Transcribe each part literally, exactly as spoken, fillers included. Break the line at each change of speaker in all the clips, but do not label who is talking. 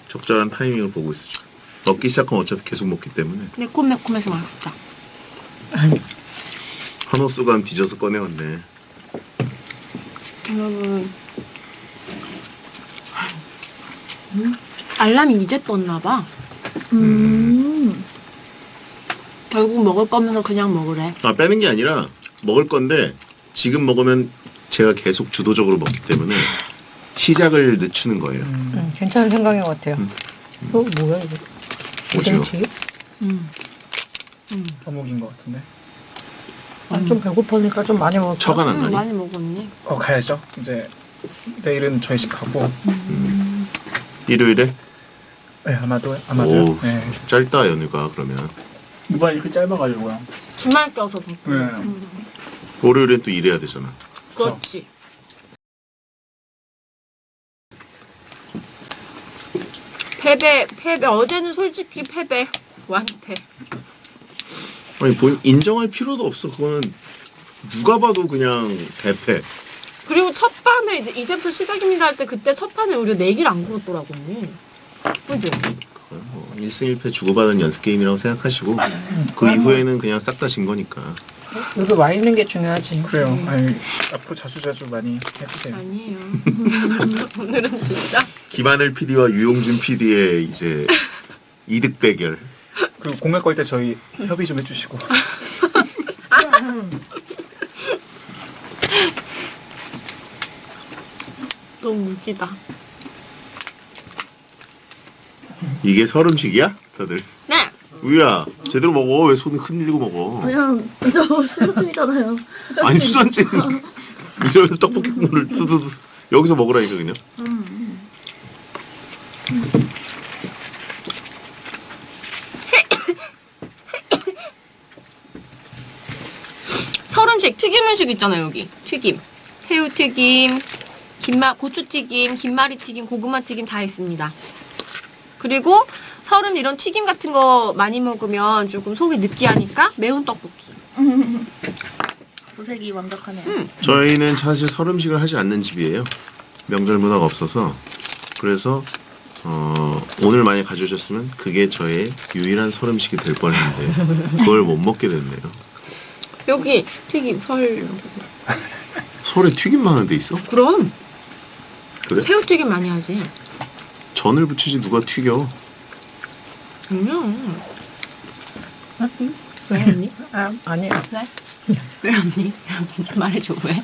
적절한 타이밍을 보고 있어 지금. 먹기 시작하면 어차피 계속 먹기 때문에.
매콤매콤해서 맛있다.
한호 수감 뒤져서 꺼내왔네.
여러분, 음? 알람이 이제 떴나봐.
음.
결국 먹을 거면서 그냥 먹으래.
아 빼는 게 아니라 먹을 건데 지금 먹으면 제가 계속 주도적으로 먹기 때문에 시작을 늦추는 거예요.
음. 음, 괜찮은 생각인 것 같아요.
음.
어 뭐야 이거?
오징어.
오뎅튀김?
음. 음.
어묵인 것 같은데.
아, 좀 배고프니까 좀 많이 먹을까?
처가 안
음,
나니?
많이 먹었니?
어 가야죠. 이제 내일은 저희 집 가고.
일요일에?
네 아마도 아마도요.
오
네.
짧다 연휴가 그러면.
이번 이렇게 짧아가지고요.
주말 껴서 더.
네.
월요일엔 또 일해야 되잖아.
그렇지. 패배, 패배. 어제는 솔직히 패배. 완패.
아니 본 인정할 필요도 없어. 그거는 누가 봐도 그냥 대패.
그리고 첫 판에 이제 이제부터 시작입니다 할 때 그때 첫 판에 우리가 내기를 안 걸었더라고 언니. 그죠?
뭐 일승 일패 주고받은 연습 게임이라고 생각하시고 그 이후에는 그냥 싹 다 진 거니까.
여기 와 있는 게 중요하지.
그래요. 아니, 앞으로 자주 자주 많이 해주세요.
아니에요. 오늘은 진짜.
김하늘 피디와 유용준 피디의 이제 이득 대결.
그리고 공약 걸 때 저희 협의 좀 해주시고.
너무 웃기다.
이게 설음식이야? 다들.
네.
우유야 제대로 먹어. 왜 손을 흔들고 먹어?
그냥 저 수저통이잖아요.
아니 수전증. 이러면서 떡볶이 국물을 두두두 여기서 먹으라니까 그냥.
설음식 튀김 음식 있잖아요 여기. 튀김. 새우튀김, 김마 고추튀김, 김말이튀김, 고구마튀김 다 있습니다. 그리고 설은 이런 튀김 같은 거 많이 먹으면 조금 속이 느끼하니까 매운 떡볶이.
도색이 완벽하네요.
음.
저희는 사실 설음식을 하지 않는 집이에요. 명절 문화가 없어서. 그래서 어, 오늘 만약 가져오셨으면 그게 저의 유일한 설음식이 될 뻔했는데 그걸 못 먹게 됐네요.
여기 튀김 설.
설에 튀김만 하는 데 있어?
그럼
그래?
새우튀김 많이 하지.
전을 부치지 누가 튀겨.
그냥. 왜 언니?
아 아니야.
왜? 왜 언니? 말해줘 왜?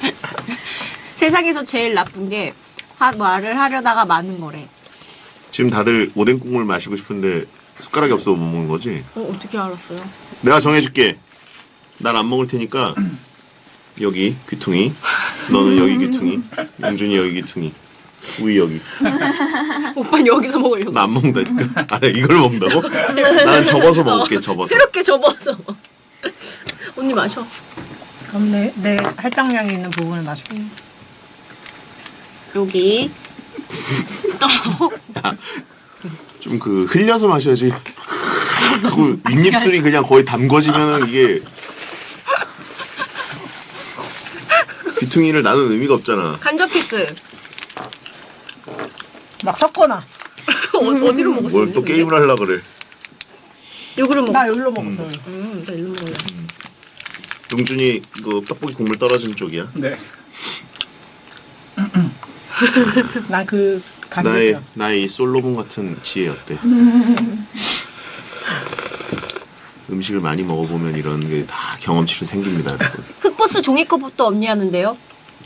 세상에서 제일 나쁜 게 하, 말을 하려다가 많은 거래.
지금 다들 오뎅 국물 마시고 싶은데 숟가락이 없어서 못 먹는 거지?
어 어떻게 알았어요?
내가 정해줄게. 난 안 먹을 테니까 여기 귀퉁이, 너는 여기 귀퉁이, 영준이 여기 귀퉁이, 우이 여기.
오빠는 여기서 먹으려고.
나 안 먹는다니까. 아, 이걸 먹는다고? 나는 접어서 먹을게. 접어서.
새롭게 접어서. 언니 마셔.
그럼 내, 내 할당량이 있는 부분을 마실게.
여기.
좀 그 흘려서 마셔야지. 그 윗입술이 그냥 거의 담궈지면은 이게 귀퉁이를 나눈 의미가 없잖아.
간접 피스.
막 섞어놔.
어, 어디로 먹었어?
뭘 또 게임을 하려 그래.
여기로 먹어.
나 여기로 먹었어.
음, 나 일로 먹을래.
용준이 그 떡볶이 국물 떨어진 쪽이야.
네.
나그
나의
반대죠.
나의 이 솔로몬 같은 지혜 어때? 음식을 많이 먹어보면 이런 게 다 경험치로 생깁니다, 여러분.
흑버스 종이컵부터 언니 하는데요.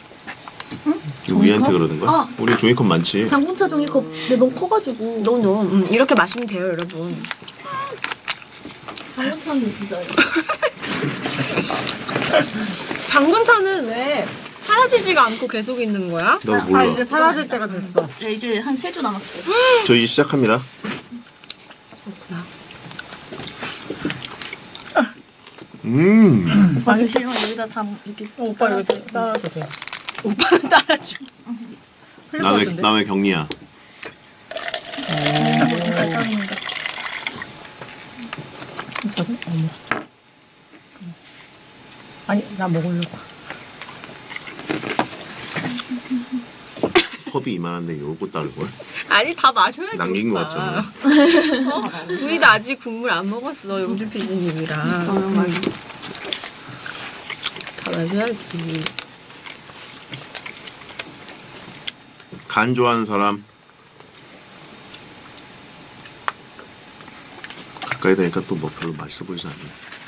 우리한테 그러는 거야?
아.
우리 종이컵 많지.
장군차 종이컵 근데 너무 커가지고.
노노. 음, 이렇게 마시면 돼요, 여러분.
장군차는 진짜요.
장군차는 왜 사라지지가 않고 계속 있는 거야?
너
아
몰라.
이제 사라질 때가 됐어.
네, 이제 한 세 주 남았어요.
저희 시작합니다.
그렇구나.
음.
아니 싫어 여기다 장 이렇게.
어, 오빠 여기 따라주세요.
오빠는 따라줘.
남의 남의 격리야.
발전인데.
저기? 어머. 아니 나 먹으려고.
컵이 이만한데 요거 따를 걸?
아니 다 마셔야지.
남긴 것
오빠.
같잖아.
어? 우리도 아직 국물 안 먹었어. 영준 피디님이랑.
저는 막
다 마셔야지.
간 좋아하는 사람. 가까이 되니까 또 뭐 별로 맛있어 보이지 않네.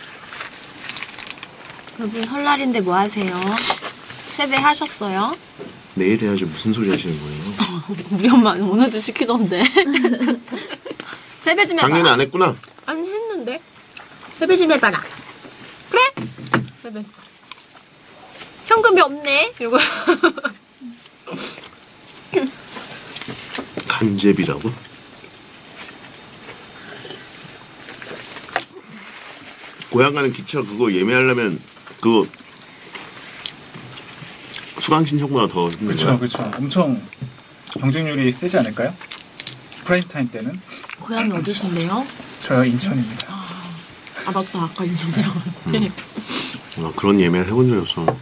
여러분 설날인데 뭐 하세요? 세배 하셨어요?
내일 해야지 무슨 소리 하시는 거예요?
우리 엄마는 오늘도 시키던데. 세배 좀 해봐.
작년에 안 했구나.
아니 했는데. 세배 좀 해봐라. 그래? 세배했어. 현금이 없네. 이러고.
간제비라고? 고향 가는 기차 그거 예매하려면 그거 수강 신청보다 더 힘든
그렇죠,
거야?
그렇죠. 엄청 경쟁률이 세지 않을까요? 프라임 타임 때는
고향이 어디신데요?
저 인천입니다.
아 맞다. 아까 인천이라고.
아, 그런 예매를 해본 적이 없어.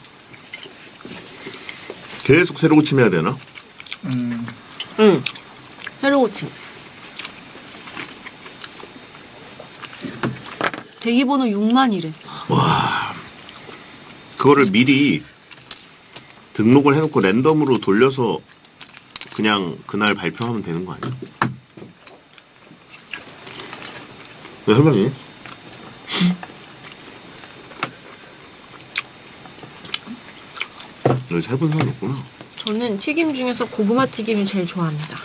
계속 새로 고침해야 되나?
음,
응. 새로 고침. 대기번호 육만이래.
와, 그거를 미리 등록을 해놓고 랜덤으로 돌려서 그냥 그날 발표하면 되는 거 아니야? 왜 설명해? 여기 해본 사람 없구나.
저는 튀김 중에서 고구마 튀김을 제일 좋아합니다.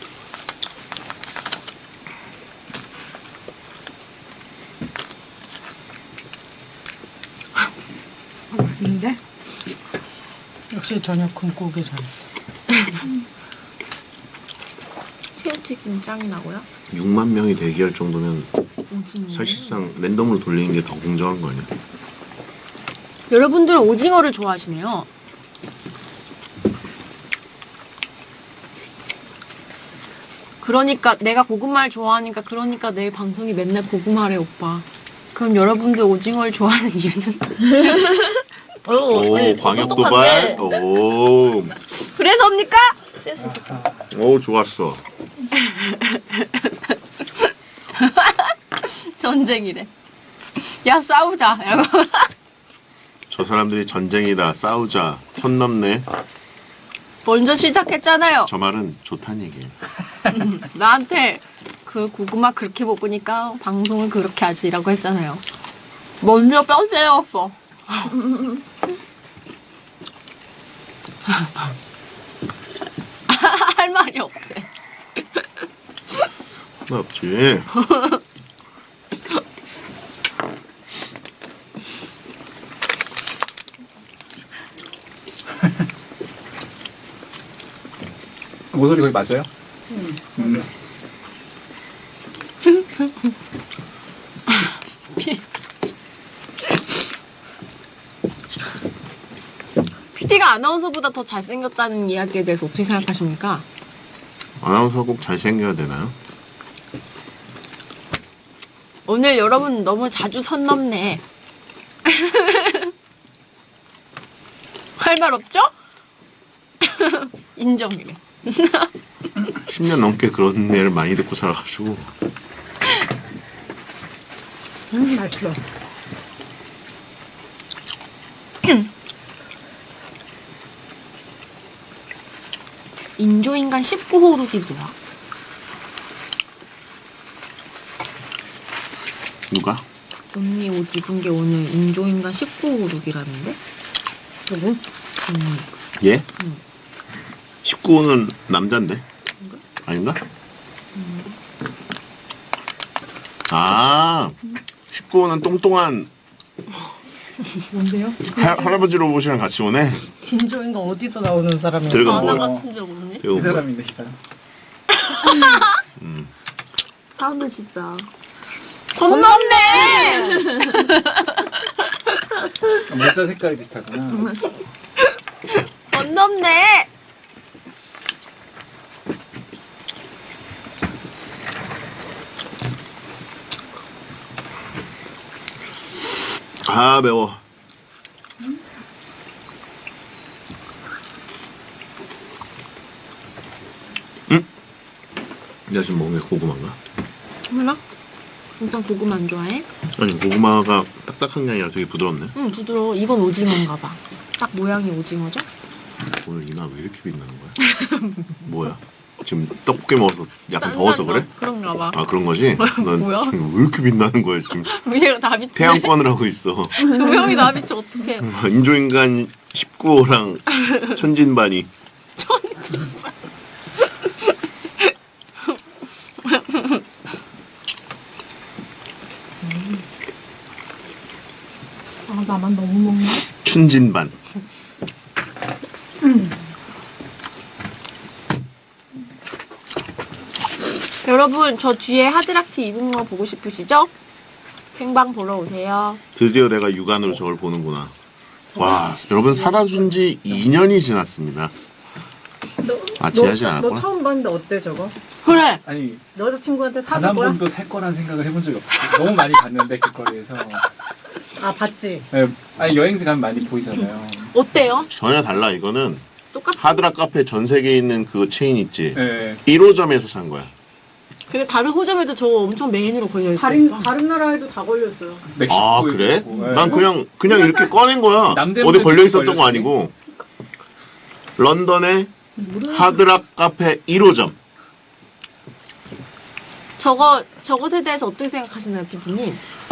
근데 역시 저녁 굶고기 잘.
새우튀김 짱이 나고요.
육만 명이 대기할 정도면
오징어.
사실상 랜덤으로 돌리는 게 더 공정한 거 아니야?
여러분들은 오징어를 좋아하시네요. 그러니까 내가 고구마를 좋아하니까 그러니까 내일 방송이 맨날 고구마래 오빠. 그럼 여러분들 오징어를 좋아하는 이유는?
오, 광역 도발. 오,
그래서입니까?
센스 있어.
오, 좋았어.
전쟁이래. 야 싸우자.
저 사람들이 전쟁이다, 싸우자, 선 넘네.
먼저 시작했잖아요.
저 말은 좋다는 얘기예요.
나한테 그 고구마 그렇게 먹으니까 방송을 그렇게 하지라고 했잖아요. 먼저 뼈 때렸어. 할 말이 없지.
나 없지.
모서리 거기 맞아요? 음.
피디가 아나운서보다 더 잘생겼다는 이야기에 대해서 어떻게 생각하십니까?
아나운서 꼭 잘생겨야 되나요?
오늘 여러분 너무 자주 선 넘네. 할 말 없죠? 인정이래.
십 년 넘게 그런 애를 많이 듣고 살아가지고.
음, 맛있어.
인조인간 십구 호 룩이 뭐야?
누가?
언니 옷 입은 게 오늘 인조인간 십구 호 룩이라는데?
누구?
언니.
얘?
응.
십구 호는 남잔데? 아닌가? 아, 십구 호는 똥똥한
뭔데요?
할, 할아버지로 보시랑 같이 오네.
김조인가 어디서 나오는 사람이야?
들어가
아나
뭐?
같은 줄 모르네?
이거
이
뭐야?
사람인데 이 사람.
음.
사람들 진짜.
손 넘네!
모자 색깔이 비슷하구나.
손 넘네!
아, 매워. 응? 내가 지금 먹는 게 고구마인가?
몰라? 일단 고구마 안 좋아해?
아니 고구마가 딱딱한 게 아니라 되게 부드럽네.
응 부드러워. 이건 오징어인가 봐. 딱 모양이 오징어죠?
오늘 이나 왜 이렇게 빛나는 거야? 뭐야? 지금 떡볶이 먹어서 약간 더워서 그래?
그런가 봐.
아 그런 거지? 난
뭐야?
지금 왜 이렇게 빛나는 거야 지금?
얘가 다 비치네.
태양권을 하고 있어.
조명이 다 비치 어떡해.
인조인간 십구 호랑 천진반이.
천진반.
아 나만 너무 먹네.
춘진반.
여러분 저 뒤에 하드락티 입은 거 보고 싶으시죠? 생방 보러 오세요.
드디어 내가 육안으로 저걸 보는구나. 와 여러분 살아준 지 이 년이 지났습니다.
너,
아, 지하지
너,
않았구나?
너 처음 봤는데 어때 저거?
그래.
아니
너 여자친구한테
단
사줄
한
거야?
번도 살 거란 생각을 해본 적이 없어요. 너무 많이 봤는데 길거리에서.
아 봤지?
네, 아니 여행지 가면 많이 보이잖아요.
어때요?
전혀 달라. 이거는
똑같아.
하드락 카페 전 세계에 있는 그 체인 있지.
네.
일 호점에서 산 거야.
근데 다른 호점에도 저거 엄청 메인으로 걸려 있어.
다른 다른 나라에도 다 걸렸어요.
멕시코
아 그래?
있고, 네.
난 그냥 그냥 이렇게 꺼낸 거야.
남대문에
어디 걸려 있었던 거
걸렸지.
아니고. 런던의 하드락 카페 일 호점.
저거 저것에 대해서 어떻게 생각하시나요, 피디님?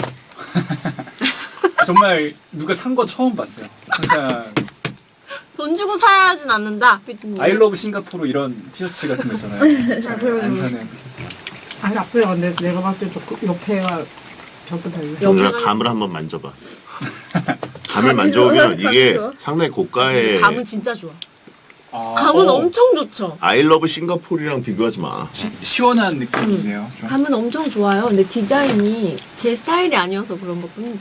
정말 누가 산 거 처음 봤어요. 항상
돈 주고 사야 하진 않는다, 피디님.
아이러브 싱가포르 이런 티셔츠 같은 거 있잖아요. 잘 안 사는.
아니 아프야. 근데 내가 봤을 때 저 옆에가 저거 달려.
영주야 감을 한번 만져봐. 감을 만져보면 이게 상당히 고가의
감은 진짜 좋아.
아,
감은
어,
엄청 좋죠.
아이러브 싱가포르랑 비교하지 마.
시, 시원한 느낌이네요. 좀.
감은 엄청 좋아요. 근데 디자인이 제 스타일이 아니어서 그런 것 뿐이지.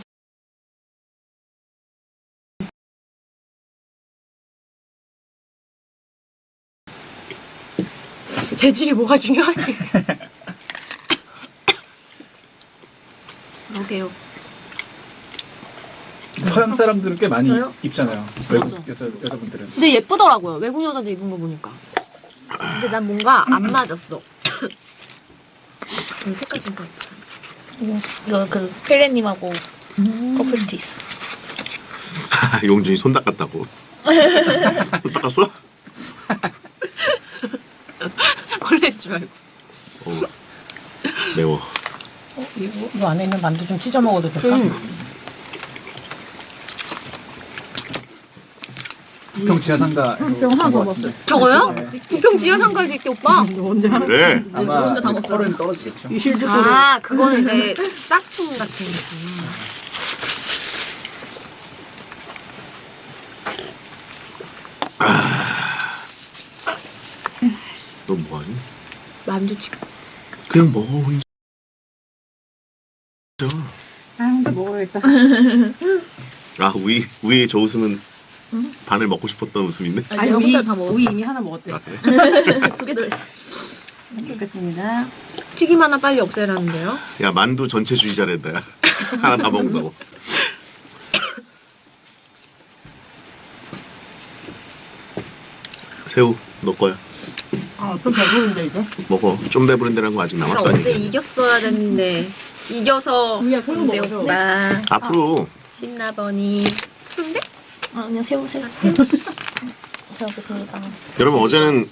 재질이 뭐가 중요하게. 그러게요.
서양 사람들은 꽤 많이
저요?
입잖아요. 외국 여자 여자분들은.
근데 예쁘더라고요. 외국 여자들 입은 거 보니까. 근데 난 뭔가 안 맞았어. 이 색깔 진짜 예쁘다.
이거, 이거 그 펠레님하고 커플 스티스.
용준이 손 닦았다고. 손 닦았어?
걸릴 줄 알고.
어, 매워.
어, 이거, 이거 안에 있는 만두 좀 찢어 먹어도 될까?
음.
부평 지하상가에서
부평 하나
본것
더
같은데.
저거요?
네.
부평 지하상가도 있게 오빠.
너 언제 하는
그래.
아마
혼자 다 먹었어요.
펄은 떨어지겠죠.
이 실드
아, 그거는 이제 짝퉁 같은 느낌.
너 뭐하니?
만두 찍고.
그냥 먹어 혼자.
아 혼자 먹어야겠다.
아 우이 우이의 저 웃음은 반을 먹고 싶었던 웃음인데.
아니, 내가 혼자 다 먹었어.
우리 이미 하나 먹었대.
아, 그래?
두 개 더 했어.
먹겠습니다.
튀김 하나 빨리 없애라는데요.
야 만두 전체주의자랬다. 야. 하나 다 먹는다고. 새우 너 거야.
아좀 배부른데 이제.
먹어. 좀 배부른데라는 거 아직
그래서
남았다니.
어제 이겼어야 됐는데 이겨서
우리야 새우
이제
먹어줘.
오빠
앞으로
신나버니 순대?
아, 그냥 새우, 새우. 잘 먹겠습니다.
여러분 어제는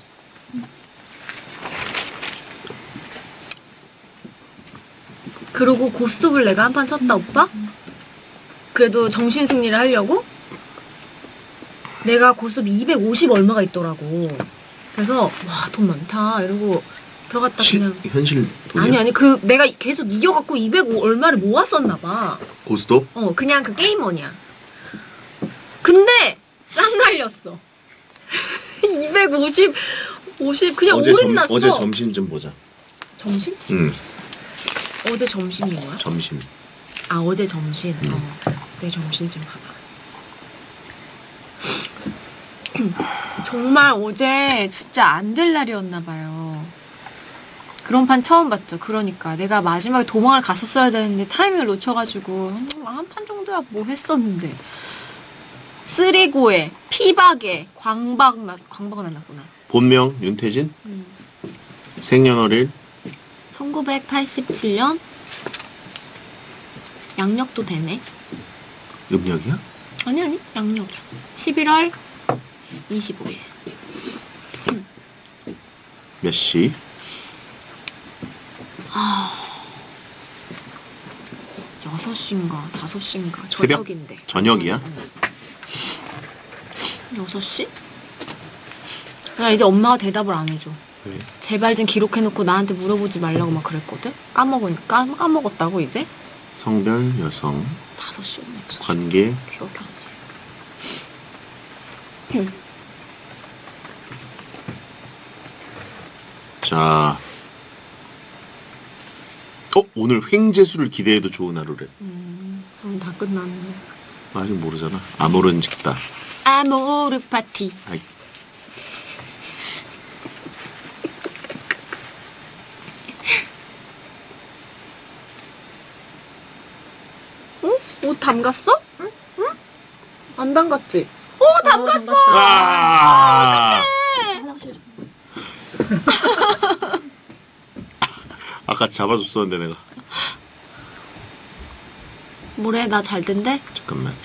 그러고 고스톱을 내가 한 판 쳤다 오빠? 그래도 정신 승리를 하려고? 내가 고스톱 이백오십 얼마가 있더라고. 그래서 와 돈 많다 이러고 들어갔다
실,
그냥
현실 돈이야?
아니 아니 그 내가 계속 이겨갖고 이백오 얼마를 모았었나 봐.
고스톱?
어 그냥 그 게임머니야. 근데 쌍 날렸어. 이백오십 오십 그냥
어제
올인
점,
났어.
어제 점심 좀 보자.
점심?
응
어제 점심이 뭐야?
점심.
아 어제 점심. 어, 내 점심 좀 봐봐. 정말 어제 진짜 안 될 날이었나 봐요. 그런 판 처음 봤죠. 그러니까 내가 마지막에 도망을 갔었어야 되는데 타이밍을 놓쳐가지고 한 판 정도야 뭐 했었는데 쓰리고에 피박에 광박 나 광박은 안 났구나.
본명 윤태진.
음.
생년월일
천구백팔십칠 년 양력도 되네.
음력이야?
아니 아니 양력이야. 십일월 이십오일.
몇 시?
여섯 시인가 다섯 시인가
새벽?
저녁인데.
저녁이야?
여섯 시? 나 이제 엄마가 대답을 안 해줘.
왜?
제발 좀 기록해놓고 나한테 물어보지 말라고 막 그랬거든? 까먹으니까 까먹었다고 이제?
성별 여성
다섯 시였네. 여섯 시.
관계
기억이 안 나.
자. 어? 오늘 횡재수를 기대해도 좋은 하루래.
음, 그럼 다 끝났네.
아직 모르잖아. 아모른 직다.
아모르 파티.
아이.
응? 옷 담갔어? 응? 응? 안 담갔지? 오, 담갔어!
아!
화장실 좀.
아까 잡아줬었는데 내가.
뭐래? 나 잘 된대?
잠깐만.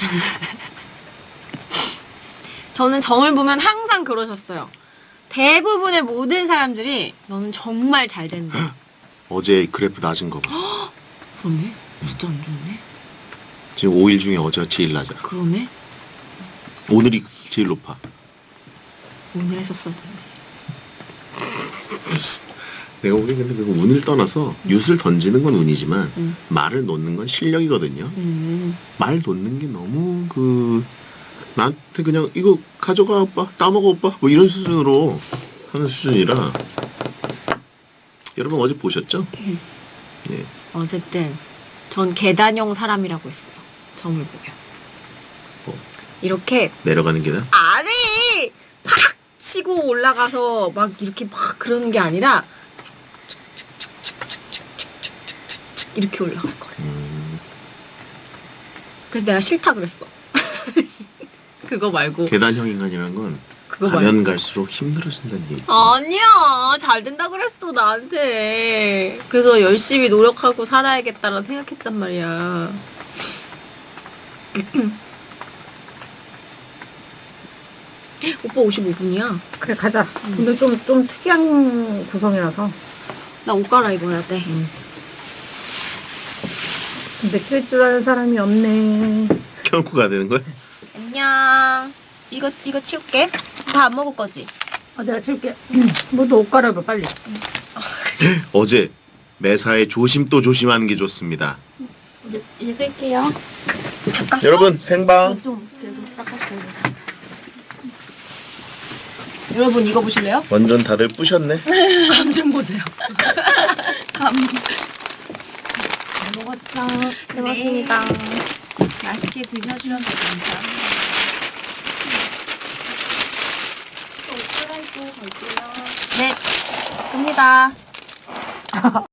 저는 점을 보면 항상 그러셨어요. 대부분의 모든 사람들이 너는 정말 잘 된대.
어제 그래프 낮은 거 봐.
그러네? 진짜 안 좋네?
지금 오 일 중에 어제가 제일 낮아.
그러네?
오늘이 제일 높아.
오늘 했었어야 됐네.
내가 보기엔 근데 그 운을 떠나서 윷을 던지는 건 운이지만
음.
말을 놓는 건 실력이거든요.
음.
말 놓는 게 너무 그 나한테 그냥 이거 가져가 오빠 따먹어 오빠 뭐 이런 수준으로 하는 수준이라 여러분 어제 보셨죠? 예.
어쨌든 전 계단형 사람이라고 했어요. 점을 보면.
뭐?
이렇게
내려가는 계단?
아래 팍 치고 올라가서 막 이렇게 막 그러는 게 아니라 이렇게 올라갈 거래.
음,
그래서 내가 싫다 그랬어. 그거 말고
계단형 인간이라는 건
그거
가면
말고.
갈수록 힘들어진다는 얘기.
아니야 잘 된다 그랬어 나한테. 그래서 열심히 노력하고 살아야겠다라고 생각했단 말이야. 오빠 오십오 분이야.
그래 가자. 근데 좀 좀 특이한 구성이라서.
나 옷 갈아입어야 돼.
근데 낄 줄 아는 사람이 없네.
켜놓고 가야 되는 거야?
안녕. 이거 이거 치울게. 다 안 먹을 거지?
아, 내가 치울게. 너도 옷 갈아입어 빨리.
어제 매사에 조심 또 조심하는 게 좋습니다.
이제 읽을게요.
여러분 생방
좀 그래도 닦았어요.
여러분 이거 보실래요?
완전 다들 뿌셨네.
감 좀 보세요. 감.
잘 먹었어. 잘 먹었습니다.
맛있게 드셔주셔서 감사합니다. 네, 갑니다.